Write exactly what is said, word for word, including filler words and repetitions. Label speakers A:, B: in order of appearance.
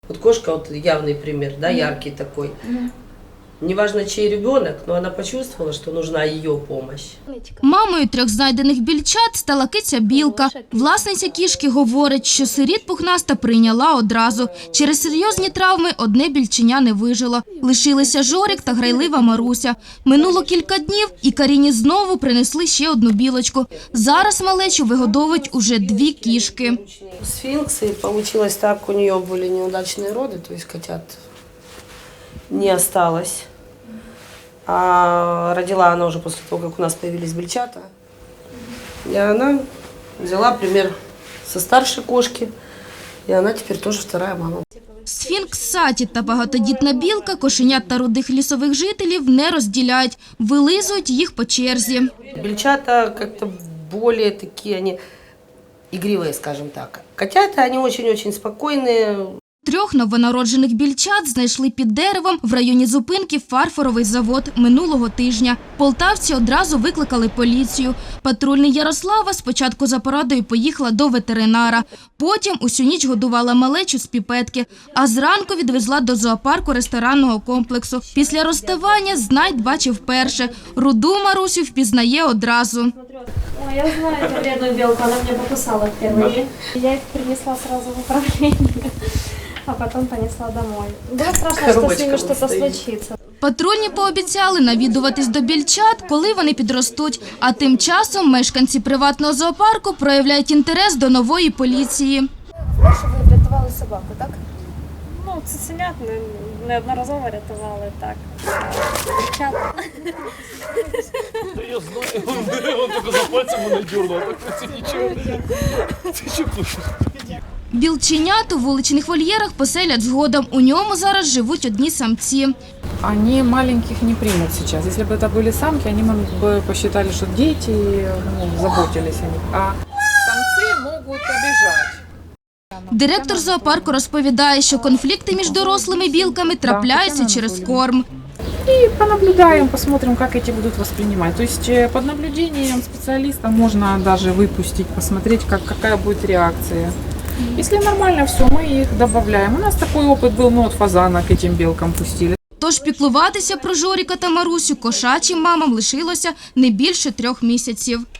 A: Вот кошка, вот явный пример, да, яркий такой. Неважно, чей ребенок, но она почувствовала, что нужна ее помощь.
B: Мамою трьох знайдених більчат стала киця Білка. Власниця кішки говорить, що сиріт пухнаста прийняла одразу. Через серйозні травми одне більченя не вижило. Лишилися Жорик та грайлива Маруся. Минуло кілька днів, і Каріні знову принесли ще одну білочку. Зараз малечу вигодовують уже дві кішки.
A: Сфинксы, получилось так, у нее были неудачные роды, то есть котят не осталось. А родила она уже после того, как у нас появились бельчата. И она взяла пример со старшей кошки, и она теперь тоже вторая мама.
B: Сфінкс Саті та багатодітна білка кошенят та рудих лісових жителів не розділяють, вилизують їх по черзі.
A: Бельчата как-то более такие, они игривые, скажем так. Котята, они очень-очень спокойные.
B: Трьох новонароджених більчат знайшли під деревом в районі зупинки «Фарфоровий завод» минулого тижня. Полтавці одразу викликали поліцію. Патрульний Ярослава спочатку за порадою поїхала до ветеринара. Потім усю ніч годувала малечу з піпетки, а зранку відвезла до зоопарку ресторанного комплексу. Після розставання Знайд бачив вперше. Руду Марусю впізнає одразу.
C: Ой, я знаю эту вредную белку, она меня покусала впервые. Я их принесла сразу в управление, а потом понесла домой. Было страшно, что с ними что-то случится.
B: Патрульні пообіцяли навідуватись до більчат, коли вони підростуть. А тим часом мешканці приватного зоопарку проявляють інтерес до нової поліції.
C: Що ви врятували собаку, так? Ну, цуценят неодноразово рятували, так. Дівчата.
D: Я знаю, он только за пальцем мене дернул, а так нічого. Ти що кушаєш?
B: Білченят у вуличних вольєрах поселять згодом. У ньому зараз живуть одні самці.
E: Они маленьких не примут сейчас. Если бы это были самки, они бы посчитали, что дети, ну, заботились о них. А самцы могут обижать.
B: Директор зоопарку розповідає, що конфлікти між дорослими білками трапляються через корм.
E: И понаблюдаем, посмотрим, как эти будут воспринимать. То есть под наблюдением специалиста можно даже выпустить, посмотреть, как, какая будет реакция. Если нормально все, мы их добавляем. У нас такой опыт был, мы от фазана к этим белкам пустили.
B: Тож піклуватися про Жоріка та Марусю кошачим мамам лишилося не більше трьох місяців.